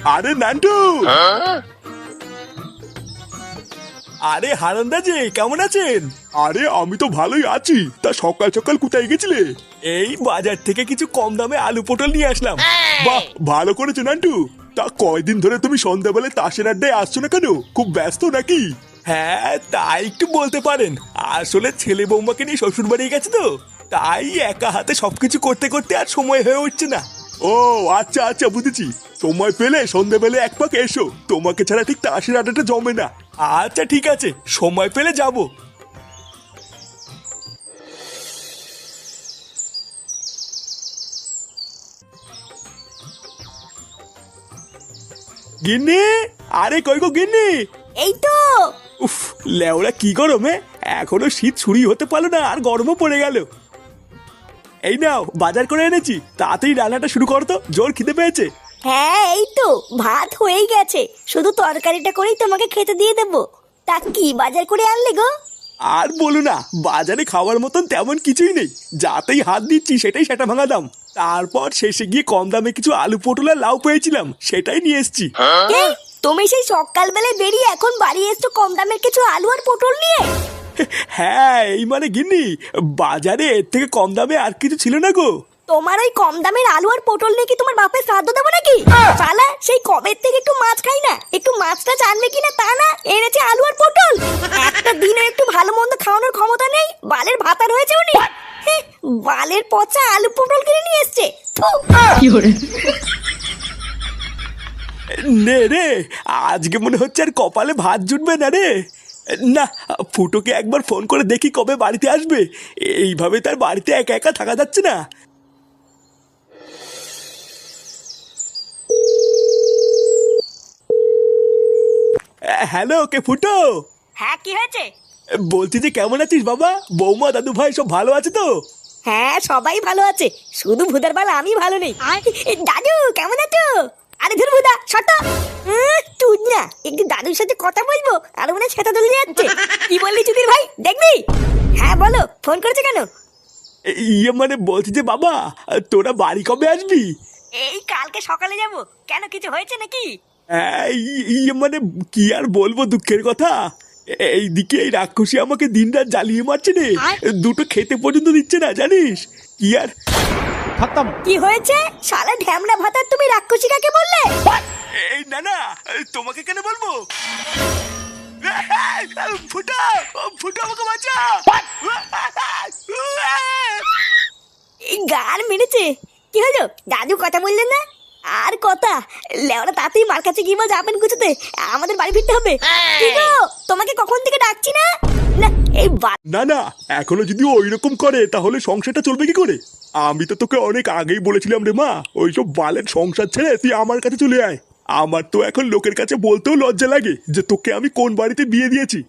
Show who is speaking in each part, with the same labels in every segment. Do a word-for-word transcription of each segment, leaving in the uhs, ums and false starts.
Speaker 1: আরে নান্টু, আরে হারান্দা যে কেমন আছেন? আরে আমি তো ভালোই আছি। তা সকাল সকাল কোথায় গেছিলে? এই বাজার থেকে কিছু কম দামে আলু পটল নিয়ে আসলাম। বাহ, ভালো করেছো নান্টু। তা কয়দিন ধরে তুমি সন্ধ্যাবেলায় তাসের আড্ডায় আসছো না কেন? খুব ব্যস্ত নাকি? হ্যাঁ, তাই একটু বলতে পারেন। আসলে ছেলে বৌমাকে নিয়ে শ্বশুর বাড়ি গেছে তো, তাই একা হাতে সবকিছু করতে করতে আর সময় হয়ে উঠছে না। ও আচ্ছা আচ্ছা, বুঝেছি। সময় পেলে সন্ধ্যাবেলা এক পাক এসো, তোমাকে ছাড়া ঠিক তাসের আড্ডাটা জমে না। আচ্ছা ঠিক আছে, সময় পেলে যাব। গিন্নি, আরে কই গো গিন্নি?
Speaker 2: এই তো।
Speaker 1: উফ, লেওড়া কি গরমে, এখনো শীত ছুরি হতে পারলো না আর গরমও পড়ে গেল। এই নাও বাজার করে এনেছি, তাড়াতাড়ি রান্নাটা শুরু করো তো, জোর খিদে পেয়েছে।
Speaker 2: হ্যাঁ এই তো ভাত হয়েই গেছে, শুধু তরকারিটা করেই তোমাকে খেতে দিয়ে দেবো। তা কি বাজার করে আনলে গো?
Speaker 1: আর বলো না, বাজারে খাওয়ার মতন তেমন কিছুই নেই। যাতেই হাত দিচ্ছি সেটাই সেটা ভাঙা দাম। তারপর শেষে গিয়ে কম দামে কিছু আলু পটল আর লাউ পেয়েছিলাম, সেটাই নিয়ে এসছি।
Speaker 2: এই, তুমি সেই সকালবেলায় বেরিয়ে এখন বাড়ি এসছো কম দামের কিছু আলু আর পটল নিয়ে?
Speaker 1: হ্যাঁ, এই মানে গিন্নি, বাজারে এর থেকে কম দামে আর কিছু ছিল না গো।
Speaker 2: তোমার ওই কম দামের আলু আর পটল নিয়ে কি তোমার বাপের শ্রাদ্ধ দেবো নাকি? শালা সেই কবের থেকে একটু মাছ খাই না, একটু মাছটা জানবে কিনা তা না, এনেছে আলু আর পটল। একটা দিনে একটু ভালো মন্দ খাওয়ানোর ক্ষমতা নেই, বালের ভাতার হয়েছে উনি। হ্যাঁ, বালের পচা আলু পটল কিনে নিয়ে এসছে। থু।
Speaker 1: নে রে, আজকে মনে হচ্ছে আর কপালে ভাত জুটবে না রে। না, ফুটোকে একবার ফোন করে দেখি কবে বাড়িতে আসবে। এইভাবে তার বাড়িতে একা একা থাকা যাচ্ছে না। হ্যালো, কে ফুটো?
Speaker 2: হ্যাঁ কি হয়েছে?
Speaker 1: বলছি যে কেমন আছিস বাবা? বৌমা দাদু ভাই সব ভালো আছে তো?
Speaker 2: হ্যাঁ সবাই ভালো আছে, শুধু ভুদার বাল আমি ভালো নেই। দাদু কেমন আছো? আরে ধর ভুদা শত তুই না, একটু দাদুর সাথে কথা বলবো আর মনে সেটা দলে যাচ্ছে। কি বললি চুদির ভাই, দেখবি? হ্যাঁ বলো, ফোন করেছে কেন?
Speaker 1: ইয়ে মানে বলছি যে বাবা, তোরা বাড়ি কবে আসবি?
Speaker 2: এই কালকে সকালে যাব। কেন, কিছু হয়েছে নাকি?
Speaker 1: হ্যাঁ, ই- ইয়ে মানে কি আর বলবো, দুঃখের কথা। এইদিকে এই রাক্ষসী আমাকে দিন রাত জ্বালিয়ে মারছে রে। দুটো খেতে পর্যন্ত দিচ্ছে না, জানিস? কি আর
Speaker 3: খতম।
Speaker 2: কি হয়েছে? শালা ঢ্যামনা ভাতার তুমি রাক্ষসী কাকে বললে?
Speaker 1: এই না না, তোমাকে কেন বলবো? ফুটা, ফুটা আমাকে বাঁচা।
Speaker 2: এই গান মেরেছে। কি হলো দাদু, কথা বললেন না? আর কথা লেওরা, তাতেই মার কাছে গিয়ে যাবেন গুছোতে, আমাদের বাড়ি ফিরতে হবে। কি গো, তোমাকে কখন থেকে ডাকছি না? না এই বা-
Speaker 1: না না, এখনো যদি ওই রকম করে তাহলে সংসারটা চলবে কি করে? আমি তো তোকে অনেক আগেই বলেছিলাম রে মা, ওইসব বালের সংসার ছেড়ে তুই আমার কাছে চলে আয়। আমার তো এখন লোকের কাছে বলতেও লজ্জা লাগে যে তোকে আমি কোন বাড়িতে বিয়ে দিয়েছি।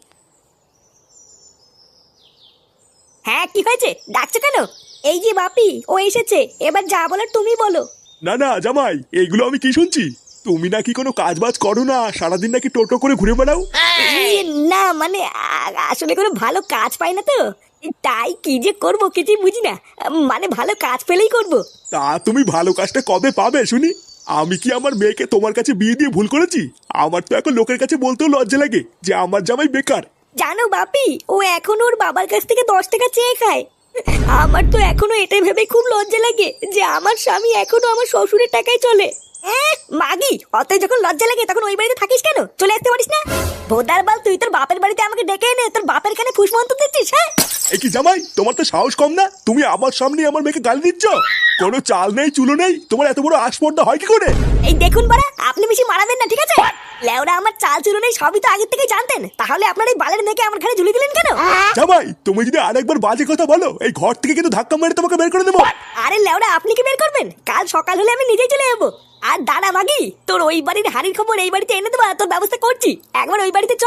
Speaker 2: হ্যাঁ কি হয়েছে, ডাকছো কেন? এই যে বাপি, ও এসেছে, এবার যা বলার তুমি বলো।
Speaker 1: না না জামাই, এইগুলো আমি কি শুনছি? তুমি নাকি কোনো কাজ বাজ করো না, সারাদিন নাকি টোটো করে ঘুরে বেড়াও।
Speaker 2: এই, না মানে আ- আসলে কোনো ভালো কাজ পাই না তো, তাই কি যে করবো কিছুই বুঝি না। মানে ভালো কাজ পেলেই করবো।
Speaker 1: তা তুমি ভালো কাজটা কবে পাবে শুনি? আমি কি আমার মেয়েকে তোমার কাছে বিয়ে দিয়ে ভুল করেছি? আমার তো এখন লোকের কাছে বলতেও লজ্জা লাগে যে আমার জামাই বেকার।
Speaker 2: জানো বাপি, ও এখন ওর বাবার কাছ থেকে দশ টাকা চেয়ে খায়। আমার তো এখনো এটাই ভেবে খুব লজ্জা লাগে যে আমার স্বামী এখনো আমার শ্বশুরের টাকায় চলে। এহ, মাগি, অত যখন লজ্জা লাগে তখন ওই বাড়িতে থাকিস কেন? চলে আসতে পারিস না? ভোদার বাল, তুই তোর বাপের বাড়িতে আমাকে ডেকে এনে তোর বাপের কানে ফুসমন্ত দিচ্ছিস? হ্যাঁ
Speaker 1: এই কি জামাই, তোমার তো সাহস কম না? তুমি আমার সামনে আমার মেয়েকে গালি দিচ্ছ? কোনো চাল নেই চুলো নেই, তোমার এত বড় আসপর্দা হয় কি করে?
Speaker 2: এই দেখুন বাড়া, আপনি বেশি মারাবেন না, ঠিক আছে? লেওরা আমার চাল চুলো নেই সবই তো আগের থেকে জানতেন, তাহলে আপনার এই বালের মেয়েকে আমার ঘরে ঝুলি দিলেন কেন?
Speaker 1: জামাই, তুমি যদি আরেকবার বাজে কথা বলো, এই ঘর থেকে কিন্তু ধাক্কা মেরে তোমাকে বের করে দেবো।
Speaker 2: আরে লেওরা, আপনি কি বের করবেন? কাল সকাল হলে আমি নিজেই চলে যাবো। আর দাঁড়া মাগি, তোর ওই বাড়ির হাড়ির খবর এই বাড়িতে এনে দেবো, তোর ব্যবস্থা করছি। একবার ওই বাড়িতে চ।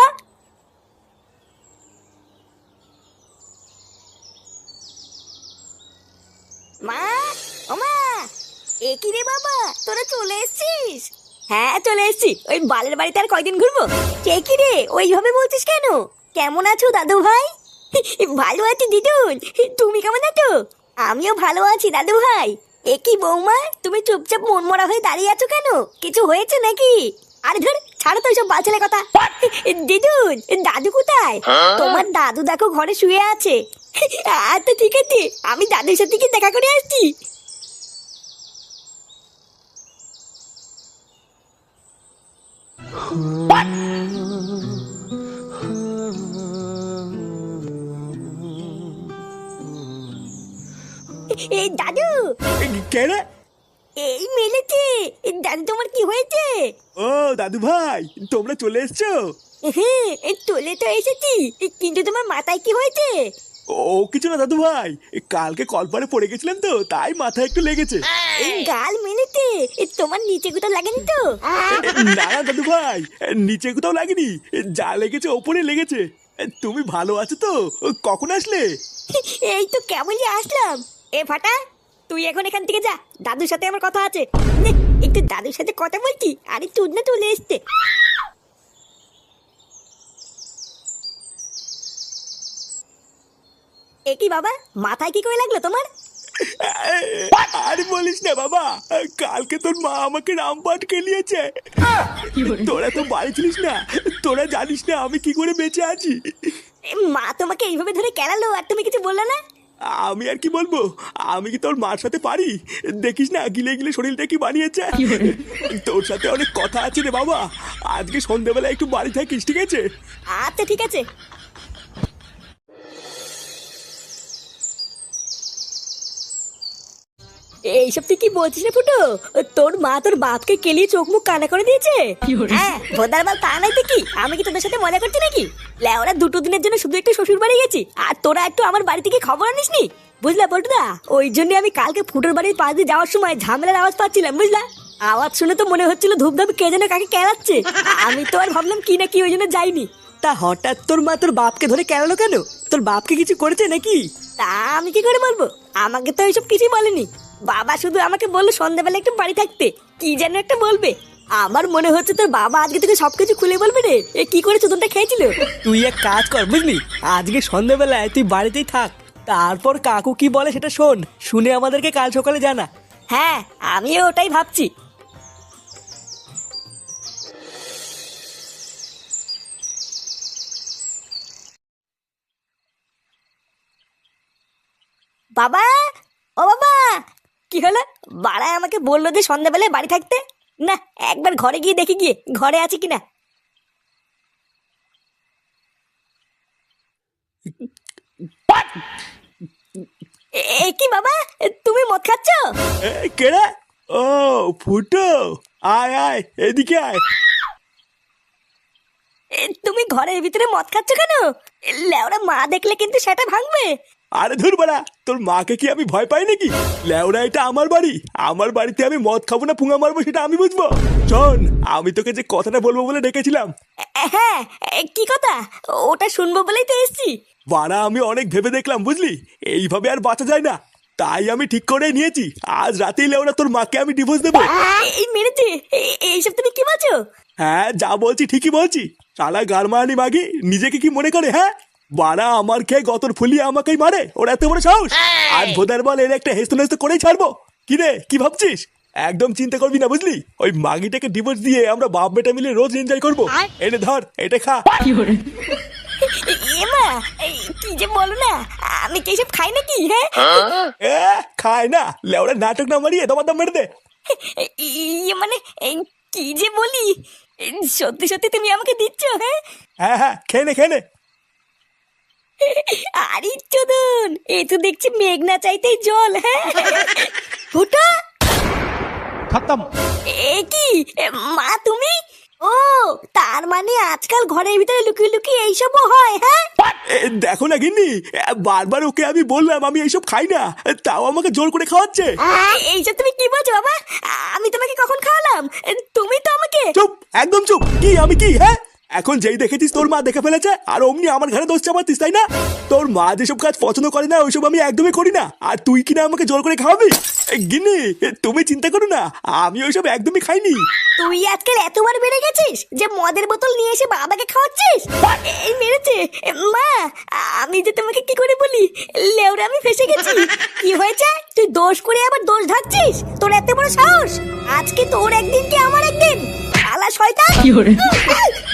Speaker 2: মা, ও মা, এ কি রে বাবা, তোরা চলে এসেছিস? হ্যাঁ চলে এসেছি, ওই বালের বাড়িতে আর কয়দিন ঘুরবো। কে কি রে ওইভাবে বলছিস কেন? কেমন আছো দাদু ভাই? ভালো আছি দিদুন, তুমি কেমন আছো? আমিও ভালো আছি দাদু ভাই। এ কি বৌমা, তুমি চুপচাপ মনমরা হয়ে দাঁড়িয়ে আছো কেন? কিছু হয়েছে নাকি? আরে ধর, ছাড়ো তো এইসব বাচ্চালে কথা। দিদুন, দাদু কোথায়? তোমার দাদু দেখো ঘরে শুয়ে আছে। আচ্ছা ঠিক আছে, আমি দাদুর সাথে কি দেখা করে আসছি। এই দাদু,
Speaker 1: কে রে?
Speaker 2: এই মেলেছে। দাদু তোমার কি হয়েছে?
Speaker 1: ও দাদু ভাই, তোমরা চলে এসছো?
Speaker 2: হ্যাঁ, এই চলে তো এসেছি, কিন্তু তোমার মাথায় কি হয়েছে?
Speaker 1: ও কিছু না দাদু ভাই, কালকে কলপারে পড়ে গেছিলাম তো, তাই মাথায় একটু লেগেছে।
Speaker 2: এই গাল মেলেছে, তোমার নিচে কোথাও লাগেনি তো?
Speaker 1: না না দাদু ভাই, নিচে কোথাও লাগেনি, যা লেগেছে ওপরে লেগেছে। তুমি ভালো আছো তো? কখন আসলে?
Speaker 2: এই তো কেমনই আসলাম। এ ফাটা, তুই এখন এখান থেকে যা, দাদুর সাথে আমার কথা আছে। নে, একটু দাদুর সাথে কথা বলছি, আরে তুই না চলে এসছে। এ কি বাবা, মাথায় কি করে লাগলো তোমার?
Speaker 1: আর বলিস না বাবা, কালকে তোর মা আমাকে রামপাট খেলিয়েছে। তোরা তো বাড়ি ছিলিস না, তোরা জানিস না আমি কি করে বেঁচে আছি।
Speaker 2: এ, মা তোমাকে এইভাবে ধরে কেলালো আর তুমি কিছু বললে না?
Speaker 1: আমি আর কি বলবো, আমি কি তোর মার সাথে পারি? দেখিস না গিলে গিলে শরীরটা কি বানিয়েছে। তোর সাথে অনেক কথা আছে রে বাবা, আজকে সন্ধ্যেবেলা একটু বাড়ি থাকিস, ঠিক আছে?
Speaker 2: আচ্ছা ঠিক আছে। এইসব তুই কি বলছিস রে ফুটো? তোর মা তোর বাপকে কেলিয়ে চোখ মুখ কানা করে দিয়েছে? হ্যাঁ, ভোদার বাল তা নাই তো কি, আমি কি তোদের সাথে মজা করছি নাকি? লেওরা দুটো দিনের জন্য শুধু একটু শ্বশুর বাড়ি গেছি, আর তোরা একটু আমার বাড়ি থেকে খবর আনিসনি, বুঝলা পল্টুদা? ওই জন্য আমি কালকে ফুটোর বাড়ির পাশ দিয়ে যাওয়ার সময় ঝামেলার আওয়াজ পাচ্ছিলাম, বুঝলা? আওয়াজ শুনে তো মনে হচ্ছিল ধূপধাপ কে যেন কাকে কেলাচ্ছে। আমি তো আর ভাবলাম কি না কি, ওই জন্য যাইনি।
Speaker 3: তা হঠাৎ তোর মা তোর বাপকে ধরে কেলালো কেন? তোর বাপকে কিছু করেছে নাকি?
Speaker 2: তা আমি কি করে বলবো, আমাকে তো এইসব কিছুই বলেনি। বাবা শুধু আমাকে বললো সন্ধ্যাবেলা একটু বাড়ি থাকতে, কি যেন একটা বলবে। আমার মনে হচ্ছে তোর বাবা আজকে থেকে সবকিছু খুলে বলবে রে, এ কি করে চোদনটা খেয়েছিল।
Speaker 3: তুই এক কাজ কর বুঝলি, আজকে সন্ধ্যাবেলায় তুই বাড়িতেই থাক, তারপর কাকু কি বলে সেটা শোন, শুনে আমাদেরকে কাল সকালে জানা।
Speaker 2: হ্যাঁ, আমিও ওটাই ভাবছি। বাবা, ও বাবা, কি হলো? বাড়ায় আমাকে বললো যে সন্ধ্যাবেলায় বাড়ি থাকতে। না, একবার ঘরে গিয়ে দেখি গিয়ে ঘরে আছে কিনা। এ কি বাবা, তুমি মদ খাচ্ছ?
Speaker 1: এ, কে রে? ও ফুটো, আয় আয় এদিকে আয়।
Speaker 2: এ, তুমি ঘরের ভিতরে মদ খাচ্ছ কেন? লেওরা মা দেখলে কিন্তু সেটা ভাঙবে।
Speaker 1: আরে ধুর বাড়া, তোর মাকে কি আমি ভয় পাই নাকি? লেওরা এটা আমার বাড়ি, আমার বাড়িতে আমি মদ খাবো না পুঙা মারবো সেটা আমি বুঝবো। শোন, আমি তোকে যে কথাটা বলবো বলে ডেকেছিলাম।
Speaker 2: এ, হ্যাঁ, এ, কি কথা? ওটা শুনবো বলেই তো এসছি।
Speaker 1: বাড়া আমি অনেক ভেবে দেখলাম বুঝলি, এইভাবে আর বাঁচা যায় না, তাই আমি ঠিক করে নিয়েছি আজ রাতেই লেওরা তোর মাকে আমি ডিভোর্স দেবো।
Speaker 2: এই মেরেছে, এ- এইসব তুমি কি বলছো?
Speaker 1: হ্যাঁ যা বলছি ঠিকই বলছি। শালা গারমানি মাগি নিজেকে কি মনে করে? হ্যাঁ, বাড়া আমার খেয়ে গতর ফুলিয়ে আমাকেই মারে, ওর এত বড় সাহস। আর ভোদার বল এর একটা হেস্ত নেস্ত করেই ছাড়বো। কি রে, কি ভাবছিস? একদম চিন্তা করবি না বুঝলি, ওই মাগিটাকে ডিভোর্স দিয়ে আমরা বাপ বেটা মিলে রোজ এনজয় করবো। এনে ধর, এটা খা।
Speaker 2: এমা, এই, কি যে বলো না, আমি কি এসব খাই নাকি? হ্যাঁ,
Speaker 1: এ খায় না, লেওরা নাটক না মারিয়ে তোমার দাম মেরে দে।
Speaker 2: ইয়ে মানে, এই, কি যে বলি, এই, সত্যি সত্যি তুমি আমাকে দিচ্ছ? হ্যাঁ,
Speaker 1: হ্যাঁ হ্যাঁ, খেয়ে নে খেয়ে নে।
Speaker 2: আরে চোদন, এ তো দেখছি মেঘ না চাইতেই জল। হ্যাঁ, ফুটা
Speaker 3: খতম।
Speaker 2: এ কি, এ, মা তুমি? ও, তার মানে আজকাল ঘরের ভিতরে লুকিয়ে লুকিয়ে এইসবও হয়? হ্যাঁ,
Speaker 1: এ, দেখো না গিন্নি, এ, বারবার ওকে আমি বললাম আমি এইসব খাই না, তাও আমাকে জোর করে খাওয়াচ্ছে।
Speaker 2: এ- এইসব তুমি কি বলছো বাবা? আমি তোমাকে কখন খাওয়ালাম? তুমি তো আমাকে।
Speaker 1: চুপ, একদম চুপ। কি আমি কি? হ্যাঁ, এখন যেই দেখেছিস তোর মা দেখে ফেলেছে আর অমনি আমার ঘরে দোষ চাপাতিস, তাই না? তোর মা যেসব কাজ পছন্দ করে না ওইসব আমি একদমই করি না, আর তুই কিনা আমাকে জোর করে খাওয়াবি? এ, গিন্নি তুমি চিন্তা করো না, আমি ওইসব একদমই খাইনি।
Speaker 2: তুই আজকাল এতবার বেড়ে গেছিস যে মদের বোতল নিয়ে এসে বাবাকে খাওয়াচ্ছিস। এই মেরেছে মা, আমি যে তোমাকে কি করে বলি, লেওরা আমি ফেসে গেছি। কি হয়েছে? তুই দোষ করে আবার দোষ ঢাকছিস? তোর এত বড় সাহস! আজকে তোর একদিন কি আমার একদিন! শালা শয়তান!